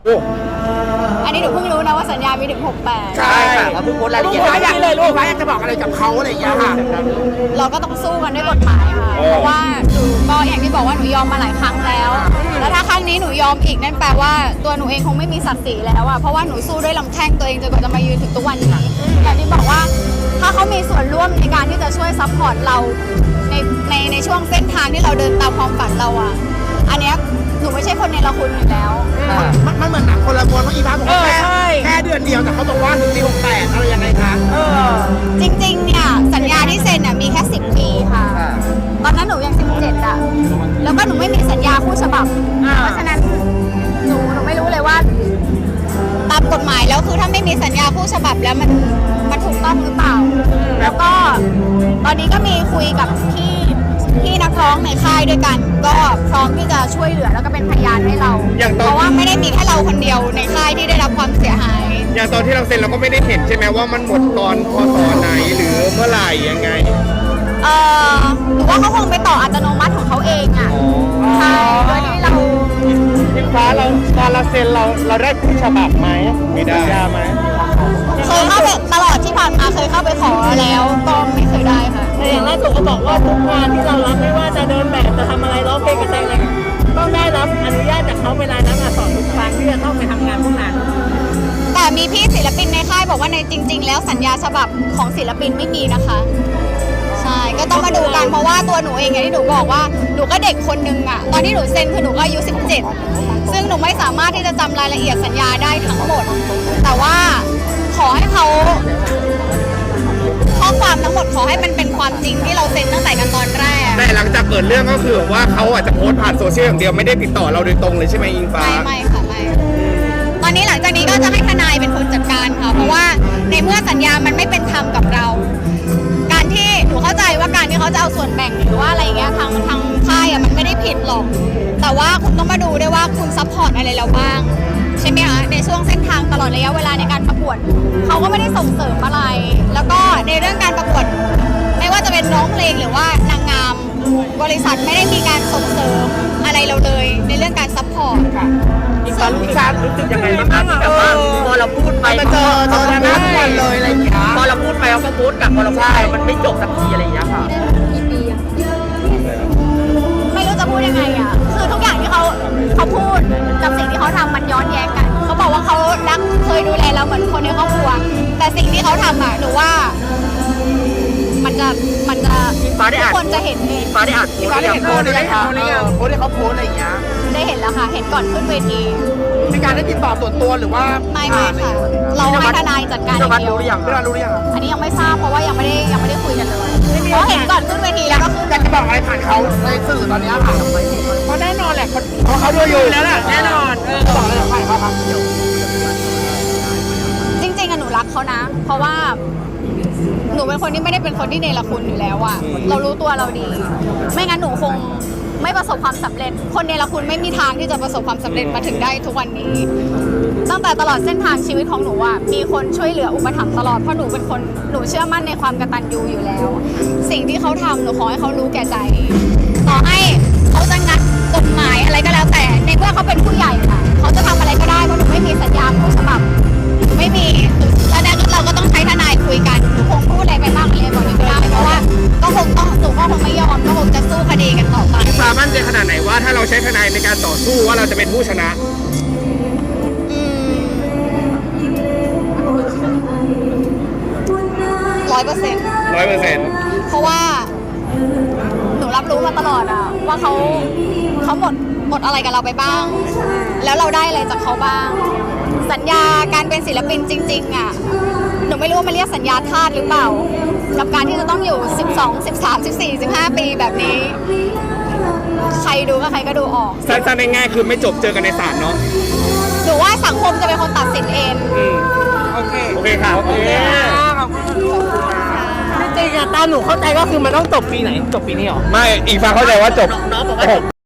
อันนี้หนูเพิ่งรู้นะว่าสัญญามีถึง68 ใช่ค่ะเราเพิ่งโพสต์รายละเอียดอยากเลยลูกอยากจะบอกอะไรกับเขาอะไรอย่างเงี้ยค่ะเราก็ต้องสู้กันด้วยกฎหมายค่ะเพราะว่าหนูก็อย่างที่บอกว่าหนูยอมมาหลายครั้งแล้วแล้วถ้าครั้งนี้หนูยอมอีกนั่นแปลว่าตัวหนูเองคงไม่มีศักดิ์ศรีแล้วอะเพราะว่าหนูสู้ด้วยลำแข้งตัวเองจนกว่าจะมายืนถึงทุกวันนี้อย่างที่บอกว่าถ้าเขามีส่วนร่วมในการที่จะช่วยซัพพอร์ตเราในช่วงเส้นทางที่เราเดินตามความฝันเราอะอันเนี้ยหนูไม่ใช่คนในละคุณอยู่แล้วมันเหมือนหนังคนละม้วนเพราะอีฟ้าบอกว่าแค่เดือนเดียวแต่เขาบอกว่าถึงปี68อะไรยังไงคะจริงๆเนี่ยสัญญาที่เซ็นน่ะมีแค่10 ปีค่ะตอนนั้นหนูยัง17อ่ะแล้วก็หนูไม่มีสัญญาคู่ฉบับเพราะฉะนั้นหนูไม่รู้เลยว่าตามกฎหมายแล้วคือถ้าไม่มีสัญญาคู่ฉบับแล้วมันถูกต้องหรือเปล่าแล้วก็ตอนนี้ก็มีคุยกับพี่นักร้องในค่ายด้วยกันก็พร้อมที่จะช่วยเหลือแล้วก็เป็นพยานให้เราเพราะว่าไม่ได้มีแค่เราคนเดียวในค่ายที่ได้รับความเสียหายอย่างตอนที่เราเซ็นเราก็ไม่ได้เห็นใช่ไหมว่ามันหมดตอนพศไหนหรือเมื่อไหร่ยังไงหรือว่าเขาคงไปต่ออัตโนมัติของเขาเองอ่ะใช่โดยที่เราอิงฟ้าเราตอนเราเซ็นเราได้คู่ฉบับไหมมีสัญญาไหมเคยเข้าไปตลอดที่ผ่านมาเคยเข้าไปขอแล้วก็ไม่เคยได้ค่ะแต่อย่างล่าสุดเขาบอกว่าทุกงานที่เรารับไม่ว่าจะเดินแบบจะทำอะไรร้องเพลงกระแสอะไรต้องได้รับอนุญาตจากเขาเวลานั้นสอนทุกครั้งที่จะต้องไปทำงานพวกนั้นแต่มีพี่ศิลปินในค่ายบอกว่าในจริงๆแล้วสัญญาฉบับของศิลปินไม่มีนะคะใช่ก็ต้องมาดูกันเพราะว่าตัวหนูเองอย่างที่หนูบอกว่าหนูก็เด็กคนนึงอะตอนที่หนูเซ็นคือหนูก็อายุ17ซึ่งหนูไม่สามารถที่จะจำรายละเอียดสัญญาได้ทั้งหมดแต่ว่าขอให้เขาข้อความทั้งหมดขอให้มันเป็นความจริงที่เราเซ็นตั้งแต่กันตอนแรกแต่หลังจากเกิดเรื่องก็คือว่าเขาอาจจะโพสต์ผ่านโซเชียลอย่างเดียวไม่ได้ติดต่อเราโดยตรงเลยใช่ไหมอิงฟ้าไม่ค่ะไม่ตอนนี้หลังจากนี้ก็จะให้ทนายเป็นคนจัดการค่ะเพราะว่าในเมื่อสัญญามันไม่เป็นธรรมกับเราการที่หนูเข้าใจว่าการที่เขาจะเอาส่วนแบ่งหรือว่าอะไรเงี้ยทางค่ายมันไม่ได้ผิดหรอกแต่ว่าคุณต้องมาดูด้วยว่าคุณซัพพอร์ตอะไรเราบ้างใช่ไหมคะในช่วงเส้นทางตลอดระยะเวลาในการประกวดเขาก็ไม่ได้ส่งเสริมอะไรแล้วก็ในเรื่องการประกวดไม่ว่าจะเป็นร้องเพลงหรือว่านางงามบริษัทไม่ได้มีการส่งเสริมอะไรเราเลยในเรื่องการซัพพอร์ตค่ะอีกตอนรู้สึกยังไงบ้างคะที่แบบว่าพอเราพูดไปเจอหน้าทุกวันเลยอะไรอย่างเงี้ยพอเราพูดไปเขาก็พูดกับพอเราพูดไปมันไม่จบสักทีอะไรอย่างเงี้ยค่ะกี่ปีอะไม่รู้จะพูดยังไงอะคือทุกอย่างที่เขาพูดกับสิ่งที่เขาทำมันย้อนแย้งกันเขาบอกว่าเขารักเคยดูแลเราเหมือนคนในครอบครัวแต่สิ่งที่เขาทำอะหนูว่ามันจะทุกคนจะเห็นเองฟ้าได้อ่านฟ้าได้เห็นโพสต์ได้ยังโพสต์ที่เขาโพสต์อะไรอย่างเงี้ยได้เห็นแล้วค่ะเห็นก่อนขึ้นเวทีมีการได้ติดต่อส่วนตัวหรือว่าไม่ค่ะเราให้ทนายจัดการอย่างเดียวรู้หรือยังอันนี้ยังไม่ทราบเพราะว่ายังไม่ได้คุยกันเลยเพราะเห็นก่อนขึ้นเวทีแล้วก็คืออยากจะบอกอะไรผ่านเขาในสื่อตอนนี้ค่ะเพราะแน่นอนแหละเขาดูอยู่แล้วแหละแน่นอนบอกเลยผ่านเขาครับจริงๆอะหนูรักเขานะเพราะว่าหนูเป็นคนที่ไม่ได้เป็นคนที่เนรคุณอยู่แล้วอะเรารู้ตัวเราดีไม่งั้นหนูคงไม่ประสบความสำเร็จคนเนรคุณไม่มีทางที่จะประสบความสำเร็จมาถึงได้ทุกวันนี้ตั้งแต่ตลอดเส้นทางชีวิตของหนูอะมีคนช่วยเหลืออุปถัมภ์ตลอดเพราะหนูเป็นคนหนูเชื่อมั่นในความกตัญญูอยู่แล้วสิ่งที่เขาทำหนูขอให้เขารู้แก่ใจต่อให้เขาจะงัดกฎหมายอะไรก็แล้วแต่ในเมื่อเขาเป็นผู้ใหญ่ค่ะเขาจะทำอะไรก็ได้เพราะหนูไม่มีสัญญาคู่ฉบับไม่มีแล้วนั้นเราก็ต้องใช้ทนายคุยกันหนูคงพูดอะไรไปบ้างอะไรบอกไม่ได้เพราะว่าก็คงต้องหนูก็คงไม่ยอมก็คงจะสู้คดีกันต่อไปฟ้ามั่นใจขนาดไหนว่าถ้าเราใช้ทนายในการต่อสู้ว่าเราจะเป็นผู้ชนะ 100%เพราะว่าหนูรับรู้มาตลอดอะว่าเขาหมดอะไรกับเราไปบ้างแล้วเราได้อะไรจากเขาบ้างสัญญาการเป็นศิลปินจริงๆอะหนูไม่รู้ว่ามันเรียกสัญญาทาสหรือเปล่ากับการที่จะต้องอยู่12 13 14 15 ปีแบบนี้ใครดูก็ใครก็ดูออกสั้นๆง่ายๆคือไม่จบเจอกันในศาลเนาะหนูว่าสังคมจะเป็นคนตัดสินเองโอเคค่ะโอเคจริงๆอะตามหนูเข้าใจก็คือมันต้องจบปีไหนจบปีนี้หรอไม่อีกฝั่งเข้าใจว่าจบน้องบอกว่า